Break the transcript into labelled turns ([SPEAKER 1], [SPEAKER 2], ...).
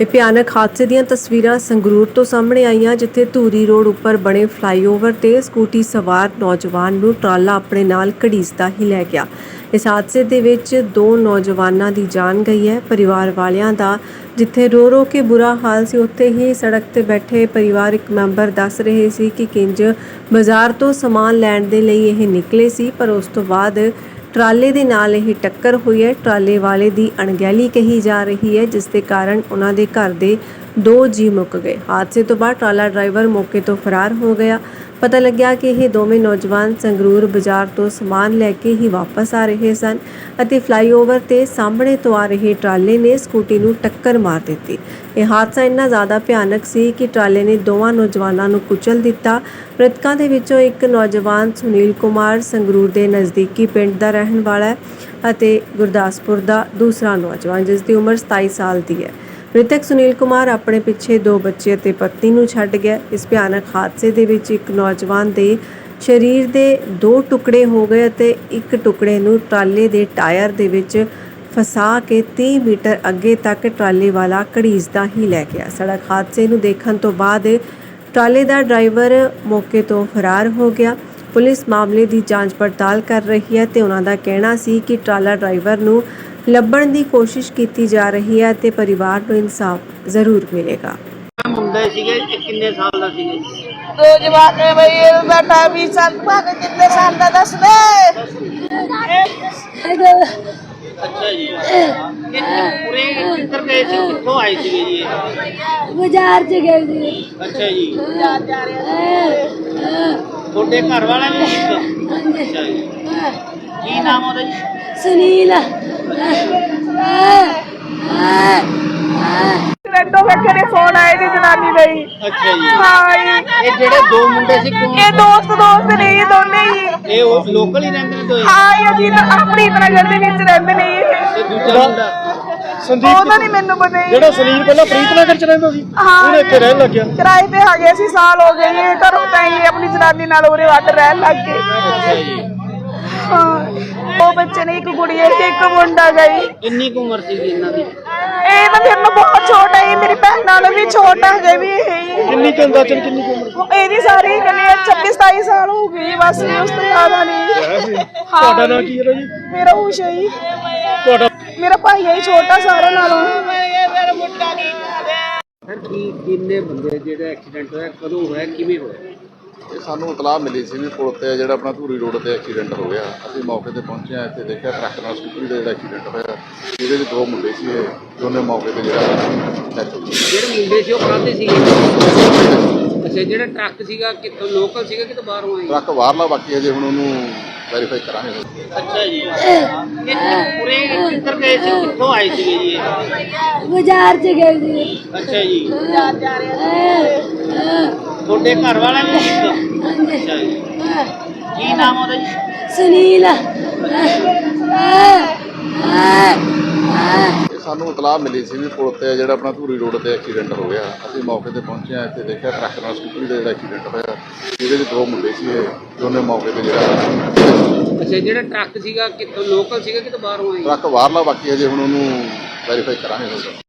[SPEAKER 1] ਇਹ ਭਿਆਨਕ ਹਾਦਸੇ ਦੀਆਂ ਤਸਵੀਰਾਂ ਸੰਗਰੂਰ ਤੋਂ ਸਾਹਮਣੇ ਆਈਆਂ, ਜਿੱਥੇ ਧੂਰੀ ਰੋਡ ਉੱਪਰ ਬਣੇ ਫਲਾਈਓਵਰ ਤੇ ਸਕੂਟੀ ਸਵਾਰ ਨੌਜਵਾਨ ਨੂੰ ਟਰਾਲਾ ਆਪਣੇ ਨਾਲ ਘੜੀਸਦਾ ਹੀ ਲੈ ਗਿਆ। ਇਸ ਹਾਦਸੇ ਦੇ ਵਿੱਚ 2 ਨੌਜਵਾਨਾਂ ਦੀ ਜਾਨ ਗਈ ਹੈ। ਪਰਿਵਾਰ ਵਾਲਿਆਂ ਦਾ ਜਿੱਥੇ ਰੋ ਰੋ ਕੇ ਬੁਰਾ ਹਾਲ ਸੀ, ਉੱਥੇ ਹੀ ਸੜਕ ਤੇ ਬੈਠੇ ਪਰਿਵਾਰਕ ਮੈਂਬਰ ਦੱਸ ਰਹੇ ਸੀ ਕਿ ਕਿੰਜ ਬਾਜ਼ਾਰ ਤੋਂ ਸਮਾਨ ਲੈਣ ਦੇ ਲਈ ਇਹ ਨਿਕਲੇ ਸੀ, ਪਰ ਉਸ ਤੋਂ ਬਾਅਦ ਟਰਾਲੇ ਦੇ ਨਾਲ ਇਹ ਟੱਕਰ ਹੋਈ ਹੈ। ਟਰਾਲੇ ਵਾਲੇ ਦੀ ਅਣਗਹਿਲੀ ਕਹੀ ਜਾ ਰਹੀ ਹੈ, ਜਿਸ ਦੇ ਕਾਰਨ ਉਹਨਾਂ ਦੇ ਘਰ ਦੇ 2 ਜੀ ਮੁੱਕ ਗਏ। ਹਾਦਸੇ ਤੋਂ ਬਾਅਦ ਟਰਾਲਾ ਡਰਾਈਵਰ ਮੌਕੇ ਤੋਂ ਫਰਾਰ ਹੋ ਗਿਆ। ਪਤਾ ਲੱਗਿਆ ਕਿ ਇਹ ਦੋਵੇਂ ਨੌਜਵਾਨ ਸੰਗਰੂਰ ਬਾਜ਼ਾਰ ਤੋਂ ਸਮਾਨ ਲੈ ਕੇ ਹੀ ਵਾਪਸ ਆ ਰਹੇ ਸਨ ਅਤੇ ਫਲਾਈਓਵਰ ਤੇ ਸਾਹਮਣੇ ਤੋਂ ਆ ਰਹੇ ਟਰਾਲੇ ਨੇ ਸਕੂਟੀ ਨੂੰ ਟੱਕਰ ਮਾਰ ਦਿੱਤੀ। ਇਹ ਹਾਦਸਾ ਇੰਨਾ ਜ਼ਿਆਦਾ ਭਿਆਨਕ ਸੀ ਕਿ ਟਰਾਲੇ ਨੇ ਦੋਵਾਂ ਨੌਜਵਾਨਾਂ ਨੂੰ ਕੁਚਲ ਦਿੱਤਾ। ਮ੍ਰਿਤਕਾਂ ਦੇ ਵਿੱਚੋਂ ਇੱਕ ਨੌਜਵਾਨ ਸੁਨੀਲ ਕੁਮਾਰ ਸੰਗਰੂਰ ਦੇ ਨਜ਼ਦੀਕੀ ਪਿੰਡ ਦਾ ਰਹਿਣ ਵਾਲਾ ਹੈ ਅਤੇ ਗੁਰਦਾਸਪੁਰ ਦਾ ਦੂਸਰਾ ਨੌਜਵਾਨ ਜਿਸ ਦੀ ਉਮਰ 27 ਸਾਲ ਦੀ ਹੈ। ਮ੍ਰਿਤਕ ਸੁਨੀਲ ਕੁਮਾਰ ਆਪਣੇ ਪਿੱਛੇ 2 ਬੱਚੇ ਅਤੇ ਪਤਨੀ ਨੂੰ ਛੱਡ ਗਿਆ। ਇਸ ਭਿਆਨਕ ਹਾਦਸੇ ਦੇ ਵਿੱਚ ਇੱਕ ਨੌਜਵਾਨ ਦੇ ਸਰੀਰ ਦੇ 2 ਟੁਕੜੇ ਹੋ ਗਏ ਅਤੇ ਇੱਕ ਟੁਕੜੇ ਨੂੰ ਟਰਾਲੇ ਦੇ ਟਾਇਰ ਦੇ ਵਿੱਚ ਫਸਾ ਕੇ 30 ਮੀਟਰ ਅੱਗੇ ਤੱਕ ਟਰਾਲੇ ਵਾਲਾ ਘੜੀਸਦਾ ਹੀ ਲੈ ਗਿਆ। ਸੜਕ ਹਾਦਸੇ ਨੂੰ ਦੇਖਣ ਤੋਂ ਬਾਅਦ ਟਰਾਲੇ ਦਾ ਡਰਾਈਵਰ ਮੌਕੇ ਤੋਂ ਫਰਾਰ ਹੋ ਗਿਆ। ਪੁਲਿਸ ਮਾਮਲੇ ਦੀ ਜਾਂਚ ਪੜਤਾਲ ਕਰ ਰਹੀ ਹੈ ਤੇ ਉਹਨਾਂ ਦਾ ਕਹਿਣਾ ਸੀ ਕਿ ਟਰਾਲਾ ਡਰਾਈਵਰ ਨੂੰ ਲੱਭਣ ਦੀ ਕੋਸ਼ਿਸ਼ ਕੀਤੀ ਜਾ ਰਹੀ ਹੈ ਤੇ ਪਰਿਵਾਰ ਨੂੰ ਇਨਸਾਫ ਜ਼ਰੂਰ ਮਿਲੇਗਾ।
[SPEAKER 2] ਮੁੰਡੇ ਸੀਗੇ ਕਿੰਨੇ ਸਾਲ ਦਾ ਸੀਗੇ?
[SPEAKER 3] 2 ਜਵਾਕ ਹੈ ਬਈ, ਇਹ ਬੇਟਾ 20 ਸਾਲ ਬਾਅਦ ਕਿੰਨੇ ਸਾਲ ਦਾ ਦੱਸ ਦੇ।
[SPEAKER 2] ਅੱਛਾ ਜੀ, ਪੂਰੇ ਕਿੱਧਰ ਗਏ ਸੀ, ਕਿੱਥੋਂ ਆਏ ਸੀਗੇ ਜੀ?
[SPEAKER 4] ਬਾਜ਼ਾਰ ਚ ਗਏ ਸੀ।
[SPEAKER 2] ਅੱਛਾ ਜੀ,
[SPEAKER 3] ਬਾਜ਼ਾਰ ਜਾ ਰਿਹਾ
[SPEAKER 2] ਤੁਹਾਡੇ ਘਰ ਵਾਲਾ ਵੀ ਸੀ? ਅੱਛਾ ਜੀ, ਕੀ ਨਾਮ ਉਹਦਾ ਜੀ?
[SPEAKER 4] ਸੁਨੀਲ।
[SPEAKER 3] ਰੈਂਡੋ ਵੇਖੇ ਨੇ ਫੋਨ ਆਏ ਜੀ ਜਨਾਨੀ ਦੇ ਹੀ।
[SPEAKER 2] ਅੱਛਾ ਜੀ,
[SPEAKER 3] ਹਾਂ ਜੀ।
[SPEAKER 2] ਇਹ ਜਿਹੜੇ 2 ਮੁੰਡੇ ਸੀ ਕੌਣ?
[SPEAKER 3] ਇਹ ਦੋਸਤ ਨੇ ਇਹ ਦੋਨੇ ਹੀ।
[SPEAKER 2] ਇਹ ਉਹ ਲੋਕਲ ਹੀ ਰਹਿੰਦੇ ਨੇ ਦੋਏ?
[SPEAKER 3] ਹਾਂ ਇਹ ਜੀ ਆਪਣੀ ਨਗਰ ਦੇ ਵਿੱਚ ਰਹਿੰਦੇ ਨੇ ਇਹ।
[SPEAKER 2] ਤੇ ਦੂਜਾ ਮੁੰਡਾ
[SPEAKER 3] ਉਹਦਾ ਨਹੀਂ ਮੈਨੂੰ ਪਤਾ ਜੀ।
[SPEAKER 5] ਜਿਹੜਾ ਸੁਨੀਲ ਪਹਿਲਾਂ ਪ੍ਰੀਤਨਗਰ ਚ ਰਹਿੰਦਾ ਸੀ,
[SPEAKER 3] ਹਾਂ
[SPEAKER 5] ਉਹਨੇ ਇੱਥੇ ਰਹਿਣ ਲੱਗਿਆ।
[SPEAKER 3] ਕਿਰਾਏ ਤੇ ਆ ਗਏ ਸੀ, ਸਾਲ ਹੋ ਗਏ ਜੀ। ਘਰੋਂ ਤਾਂ ਹੀ ਆਪਣੀ ਜਨਾਨੀ ਨਾਲ ਉਰੇ ਵੱਟ ਰਹਿਣ ਲੱਗ ਗਏ।
[SPEAKER 2] ਅੱਛਾ ਜੀ,
[SPEAKER 3] ਹਾਂ 2 ਬੱਚੇ ਨੇ, ਇੱਕ ਕੁੜੀ ਹੈ ਤੇ ਇੱਕ ਮੁੰਡਾ ਗਈ।
[SPEAKER 2] ਕਿੰਨੀ ਕੁ ਉਮਰ ਸੀਗੀ ਇਹਨਾਂ ਦੀ?
[SPEAKER 3] ਇਹ ਤਾਂ ਮੇਰੇ ਨਾਲ ਬਹੁਤ ਛੋਟਾ ਹੈ, ਮੇਰੀ ਭੈਣ ਨਾਲੋਂ ਵੀ ਛੋਟਾ ਹੈ ਵੀ ਇਹ।
[SPEAKER 5] ਕਿੰਨੀ ਕੁ ਅੰਦਾਜ਼ਨ ਕਿੰਨੀ ਕੁ ਉਮਰ?
[SPEAKER 3] ਇਹਦੀ ਸਾਰੀ ਕਹਿੰਦੇ 26-27 ਸਾਲ ਹੋ ਗਈ, ਬਸ ਉਸ ਤੋਂ ਜ਼ਿਆਦਾ ਨਹੀਂ।
[SPEAKER 5] ਤੁਹਾਡਾ ਨਾਂ ਕੀ ਹੈ ਜੀ?
[SPEAKER 3] ਮੇਰਾ ਊਸ਼ਾ ਜੀ।
[SPEAKER 5] ਤੁਹਾਡਾ
[SPEAKER 3] ਮੇਰਾ ਭਾਈ ਹੈ ਛੋਟਾ ਸਾਰਿਆਂ ਨਾਲੋਂ।
[SPEAKER 2] ਸਰ ਕਿੰਨੇ ਬੰਦੇ ਜਿਹੜਾ ਐਕਸੀਡੈਂਟ ਹੋਇਆ, ਕਦੋਂ ਹੋਇਆ, ਕਿਵੇਂ ਹੋਇਆ?
[SPEAKER 6] ਇਹ ਸਾਨੂੰ ਇਤਲਾਹ ਮਿਲੀ ਸੀ ਵੀ ਪੁਲ ਤੇ ਜਿਹੜਾ ਆਪਣਾ ਧੂਰੀ ਰੋਡ ਤੇ ਐਕਸੀਡੈਂਟ ਹੋ ਗਿਆ। ਅਸੀਂ ਮੌਕੇ ਤੇ ਪਹੁੰਚੇ ਹਾਂ, ਇੱਥੇ ਦੇਖਿਆ ਟਰੱਕ ਨਾਲ ਸਕੂਟਰੀ ਦਾ ਜਿਹੜਾ ਐਕਸੀਡੈਂਟ ਹੋਇਆ, ਇਹਦੇ ਵਿੱਚ 2 ਮੁੰਡੇ ਸੀ, ਇਹ ਦੋਨੇ ਮੌਕੇ ਤੇ ਜਿਹੜਾ ਡੈਥ ਹੋ ਗਈ।
[SPEAKER 2] ਜਿਹੜੇ ਮੁੰਡੇ ਸੀ ਉਹ ਕਾਹਦੇ ਸੀਗੇ? ਅੱਛਾ, ਜਿਹੜਾ ਟਰੱਕ ਸੀਗਾ ਕਿੱਥੋਂ ਲੋਕਲ ਸੀਗਾ ਕਿਤੋਂ ਬਾਹਰੋਂ ਆਇਆ?
[SPEAKER 6] ਟਰੱਕ ਬਾਹਰਲਾ, ਬਾਕੀ ਅਜੇ ਹੁਣ ਉਹਨੂੰ ਵੈਰੀਫਾਈ ਕਰਾਂਗੇ।
[SPEAKER 2] ਅੱਛਾ ਜੀ, ਇਹ ਪੂਰੇ ਕਿੱਧਰ ਗਏ ਸੀ, ਕਿੱਥੋਂ ਆਏ ਸੀਗੇ ਜੀ ਇਹ?
[SPEAKER 4] ਬਾਜ਼ਾਰ ਚ ਗਏ ਸੀ।
[SPEAKER 2] ਅੱਛਾ ਜੀ,
[SPEAKER 3] ਬਾਜ਼ਾਰ ਜਾ ਰਿਹਾ
[SPEAKER 2] ਤੁਹਾਡੇ ਘਰ ਵਾਲਾ ਵੀ ਸੀ? ਅੱਛਾ ਜੀ, ਕੀ ਨਾਮ ਉਹਦਾ ਜੀ?
[SPEAKER 4] ਸੁਨੀਲ।
[SPEAKER 6] ਇਹ ਸਾਨੂੰ ਇਤਲਾਹ ਮਿਲੀ ਸੀ ਵੀ ਪੁਲ ਤੇ ਜਿਹੜਾ ਆਪਣਾ ਧੂਰੀ ਰੋਡ ਤੇ ਐਕਸੀਡੈਂਟ ਹੋ ਗਿਆ। ਅਸੀਂ ਮੌਕੇ ਤੇ ਪਹੁੰਚੇ ਹਾਂ, ਇੱਥੇ ਦੇਖਿਆ ਟਰੱਕ ਨਾਲ ਸਕੂਟਰੀ ਦਾ ਜਿਹੜਾ ਐਕਸੀਡੈਂਟ ਹੋਇਆ, ਇਹਦੇ ਵਿੱਚ 2 ਮੁੰਡੇ ਸੀ, ਇਹ ਦੋਨੇ ਮੌਕੇ ਤੇ ਜਿਹੜਾ
[SPEAKER 2] ਅੱਛਾ, ਜਿਹੜਾ ਟਰੱਕ ਸੀਗਾ ਕਿੱਥੋਂ ਲੋਕਲ ਸੀਗਾ ਕਿਤੋਂ ਬਾਹਰੋਂ ਆਇਆ?
[SPEAKER 6] ਟਰੱਕ ਬਾਹਰਲਾ, ਬਾਕੀ ਅਜੇ ਹੁਣ ਉਹਨੂੰ ਵੈਰੀਫਾਈ ਕਰਾਂਗੇ।